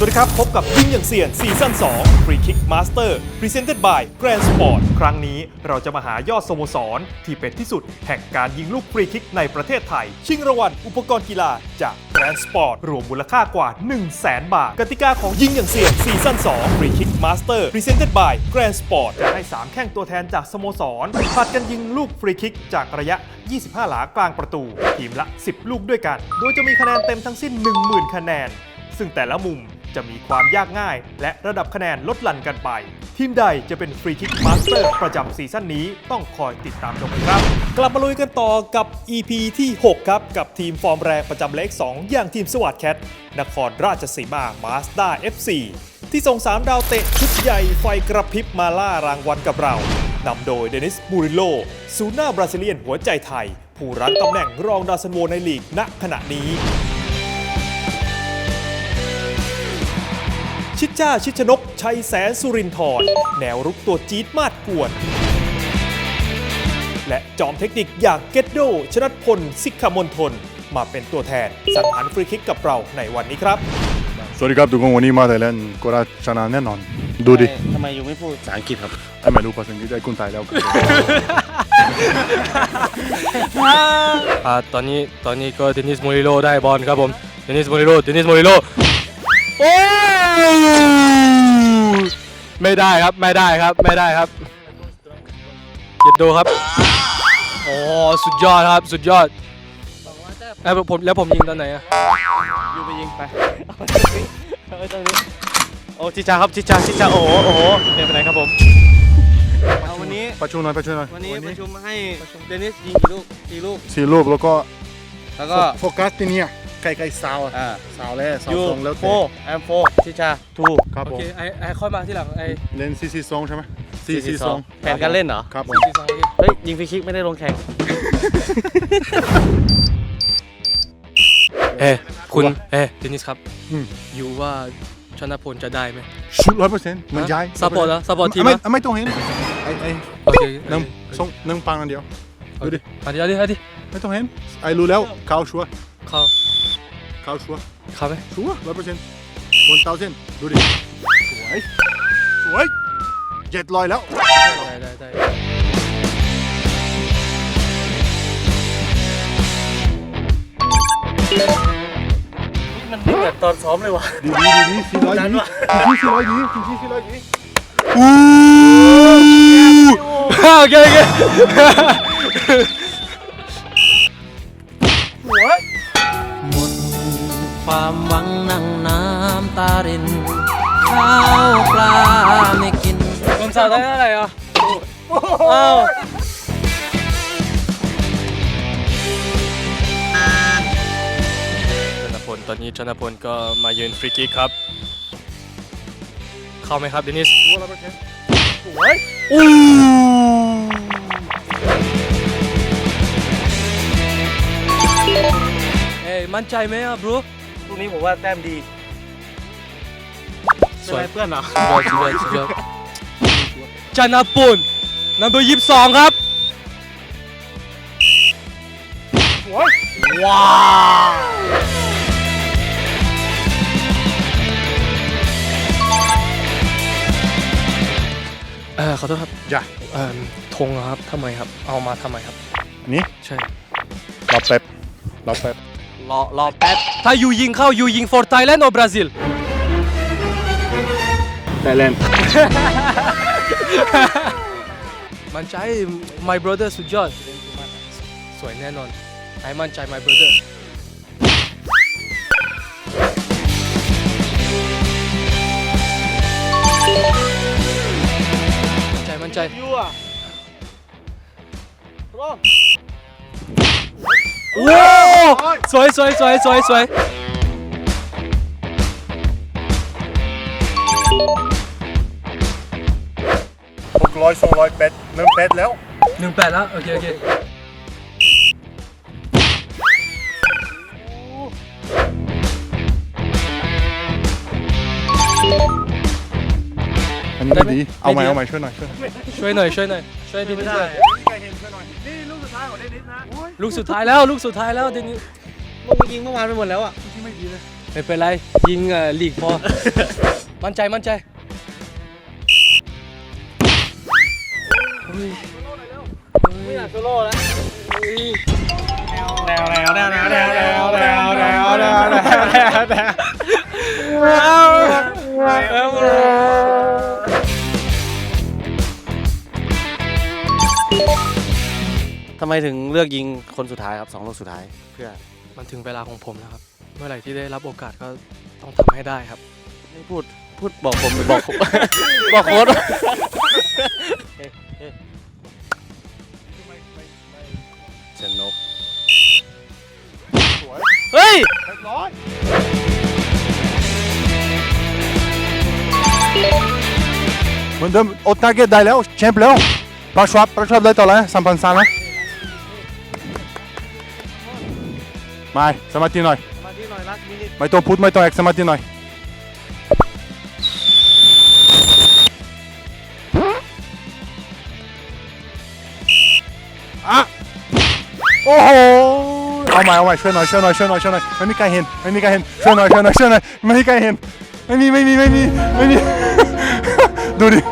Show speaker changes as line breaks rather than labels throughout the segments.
วัสดีครับพบกับยิงอย่างเซียนซีซั่น2 Free Kick Master Presented by Grand Sport ครั้งนี้เราจะมาหายอดสโมสรที่เป็นที่สุดแห่งการยิงลูกฟรีคิกในประเทศไทยชิงรางวัลอุปกรณ์กีฬาจาก Grand Sport รวมมูลค่ากว่า 100,000 บาทกติกาของยิงอย่างเซียนซีซั่น2 Free Kick Master Presented by Grand Sport จะให้3แข้งตัวแทนจากสโมสรผลัดกันยิงลูกฟรีคิกจากระยะ 25 หลากลางประตูทีมละ 10 ลูกด้วยกันโดยจะมีคะแนนเต็มทั้งสิ้น 10,000 คะแนนซึ่งแต่ละมุมจะมีความยากง่ายและระดับคะแนนลดหลั่นกันไปทีมใดจะเป็นฟรีคิกมาสเตอร์ประจำซีซั่นนี้ต้องคอยติดตามชมกันครับกลับมาลุยกันต่อกับ EP ที่ 6 ครับกับทีมฟอร์มแรงประจำเลข 2 อย่างทีมสวัสดแคทนครราชสีมามาสด้า FC ที่ส่ง3ดาวเตะชุดใหญ่ไฟกระพริบมาล่ารางวัลกับเรานำโดยเดนิสบูริโลศูนย์หน้าบราซิเลียนหัวใจไทยผู้รั้งตำแหน่งรองดาวซันโวในลีกณขณะนี้ชิดจ้าชิดชนกชัยแสนสุรินทร์แนวรุกตัวจี๊ดมาดกวนและจอมเทคนิคอย่างเกตโดชนัทพลสิกขมณฑลมาเป็นตัวแทนสังหารฟรีคิกกับเราในวันนี้ครับ
สวัสดีครับทุกคนวันนี้มาไทยแลนด์ก็ชนะแน่นอนดูดิ
ทำไมยูไม่พูดภาษาอังกฤษครับ
ไม่รู้ภาษาอังกฤษได้คนไทยแล้ว
ตอนนี้ก็เดนิสโมริโลได้บอลครับผมเดนิสโมริโลโอ้ไม่ได้ครับเย็ดดูครับโอ้สุดยอดครับสุดยอดผมยิงตอนไหนอะ
ยูไปยิงไปเอาตรงนี้โอ้จิจาครับจิจาโอ้โหเป็นไปไหนครับผมเอาวันนี้
ประชุมหน่อย
วันนี้ประชุมให้เดนิสยิงกี่ลูก
4 ลูกแล้วก็โฟกัสที่นี่ใกล้ๆซาวแล้วซาวตรงแล้ว
แอมโฟจิจาทู
ครับผม
โอเคไอค่อยมาที่หลังไอ
เล่น4-4-2ใช่ไหม4-4-2
แผนการเล่นเหรอ
ครับผม
เฮ้ยยิงฟรีคิกไม่ได้ลงแข่ง
คุณเดนิสครับอยู่ว่าชนะพลจะได้ไหม
ชุด100%เหมือนย้าย
ซัพพอร์ตทีม
ไม่ต้องเห็น
โอเค
นึ่งปังอันเดียวดูดิ
เอาดิ
ไม่ต้องเห็นรู้แล้วเขาชัวร์
เข้าไหม
ชัวร์100%ดูดิสวย700แล้ว
ได้
มันไม่เหมือนตอนซ้อมเลยว่ะ
ดี400ดี
โอเค
หมดความหวังนั่งน้ำตารินข้าวปลาไม่กิน
ผมสาวได้เท่าไหร่อ่ะอ้าวตอนนี้ชนะพลก็มายืนฟรีคิกครับเข้าไหมครับเดนิสมั่นใจไหมอ่ะบรู
ลูกนี้ผมว่าแต้มดีสวยเพื่อนเหรอ
สุดยอดชนะพลนัมเบอร์22ครับ
ว้าว
ขอโทษครับ
จ้ะ
ธงครับทำไมครับเอามาทำไมครับ
นี่
ใช่
รอแป๊บ
รอแป๊บถ้ายูยิงเข้ายูยิง for Thailand or Brazil
Thailand
มั่นใจ my brother สุดยอดสวยแน่นอนให้มั่นใจ my brotherมั่นใจ
ยูอ่ะ
ว้าวสวย600 200 8
แล้ว
18แล้วโอเค
อันนี้ดีเอาใหม่ช่วยหน่อย
ช่วยเดนิสด้วย
นี่ลูกสุดท้ายของเดนิสนะ
ลูกสุดท้ายแล้วเดนิส
มึงยิงเมื่อวานไปหมดแล้วอ่ะ
ที่ไม่ดีเลย
ไม่เป็นไรยิงลีกพอ มั่นใจมั่นใจไม่อยากโซโล่แล้ว
ทำไมถึงเลือกยิงคนสุดท้ายครับ2 ลูกสุดท้ายเพื่อ
มันถึงเวลาของผมแล้วครับ เมื่อไหร่ที่ได้รับโอกาสก็ต้องทำให้ได้ครับ
ไม่พูดบอกผมหรือบอก บอกโค้ช เชนนกเฮ้ย
เหมือนเดิมโอตาเกตได้แล้วแชมป์แล้วปลาชวับได้ต่อแล้ว3,300นะไม่สมาธิหน่อย
มาที่หน่อยรักมินิ
ไม่ต้องพูดไม่ต้องแอคสมาธิหน่อยอะโอ้โหเอาใหม่ช่วยหน่อยไม่มีใครเห็นช่วยหน่อยไม่มีใครเห็นไม่มี ดูดิ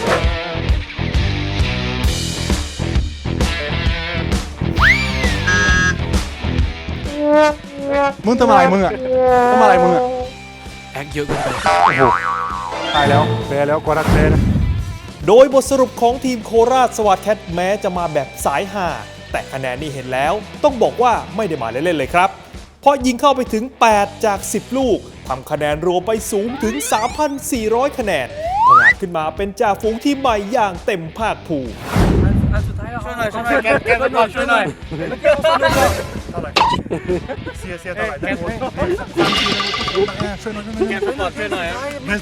มึงทำอะไรมึงอะ
แอคเยอะเกินไป
โอ้โหตายแล้วแพ้แล้วก็รักแพ้นะ
โดยบทสรุปของทีมโคราชสวัสดิ์แคทแม้จะมาแบบสายห่าแต่คะแนนนี่เห็นแล้วต้องบอกว่าไม่ได้มาเล่นๆเลยครับ เพราะยิงเข้าไปถึง 8 จาก 10 ลูกทำคะแนนรวมไปสูงถึง 3,400 คะแนนผงาดขึ้นมาเป็นจ่าฝูงทีมใหม่อย่างเต็มภาคภูมิ
ช่วยหน่อยแกสปอร์ตช่วยหน่อย
เสียเท่าไหร่ได้หมดช่วยหน่อย
แกสปอร์ตช่วยหน่อย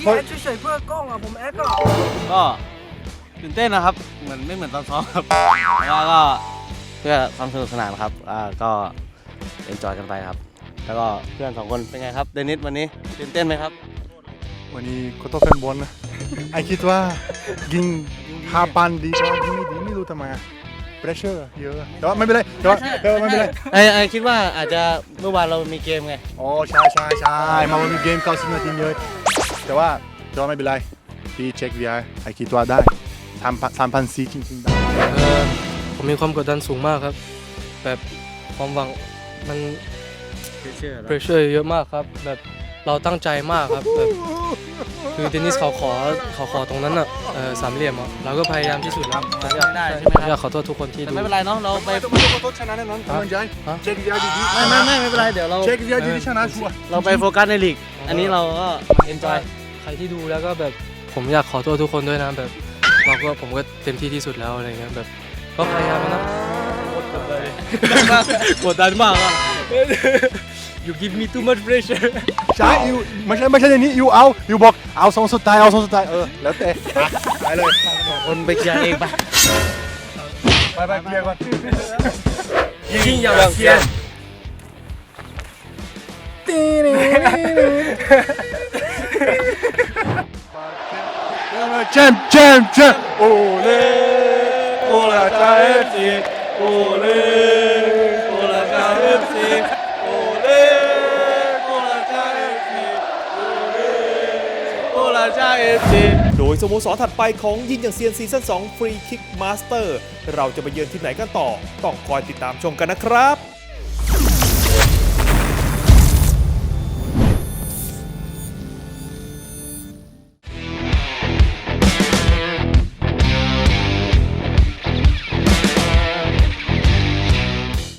ก็ตื่นเต้นนะครับไม่เหมือนตอนซ้อมครับแล้วก็เพื่อความสนุกสนานครับก็เอนจอยกันไปครับ แล้วก็เพื่อน2 คนเป็นไงครับเดนิสวันนี้ตื่นเต้นไหมครับ
วันนี้ก็ต้องเป็นบอลนะไอคิดว่ายิง5 ปันดีกว่ายิงไม่ดีไม่รู้ทำไมอะเพรสเชอร์เยอะแต่ว่าไม่เป็นไรแต่ว่าไม่เป็นไร
ไอคิดว่าอาจจะเมื่อวานเรามีเกมไง
อ๋อใช่มาวันนี้เกม90 นาทีเยอะแต่ว่าไม่เป็นไรพี่เช็ค VR ไอคิดว่าได้3,400จริงๆได้
ผมมีความกดดันสูงมากครับ แบบความหวังมัน pressure เยอะมากครับ แบบเราตั้งใจมากครับแบบคือเดนิสเขาขอตรงนั้นอ่ะ3 เหลี่ยมอ่ะเราก็พยายามที่สุดแล้วอยากขอโทษทุกคนที่
แต่
ดู
ไม่เป็นไรเนาะเราไป
ชนะแน่นอนกำลังใจเช็ค VR ดี
ไม่เป็นไรเดี๋ยวเรา
เช็ค VR ดีชนะชัวร์
เราไปโฟกัสในลีกอันนี้เราก็เอนจอย
ใครที่ดูแล้วก็แบบผมอยากขอโทษทุกคนด้วยนะแบบผมก็เต็มที่ที่สุดแล้วอะไรเงี้ยแบบก็พยายามนะกดดันมากอ่ะ You give me too much pressure
ใช่ยูไม่ใช่อย่างนี้ยูบอกเอาสองสุดท้ายแล้วแต่ไปเลย
คนไปเคลียร์เองไป
ไปเคลียร์ก่อน
ยิงอย่างเซียน
แชมป์โอเล่โอลาจาเอฟซีโอเล่โอลาจาเอฟซีโอเล่โอลาจาเอฟซีโอเล่โอลาจาเอฟซี
โดยสโมสรถัดไปของยิงอย่างเซียนซีซั่น2 Free Kick Master เราจะไปเยือนที่ไหนกันต่อต้องคอยติดตามชมกันนะครับ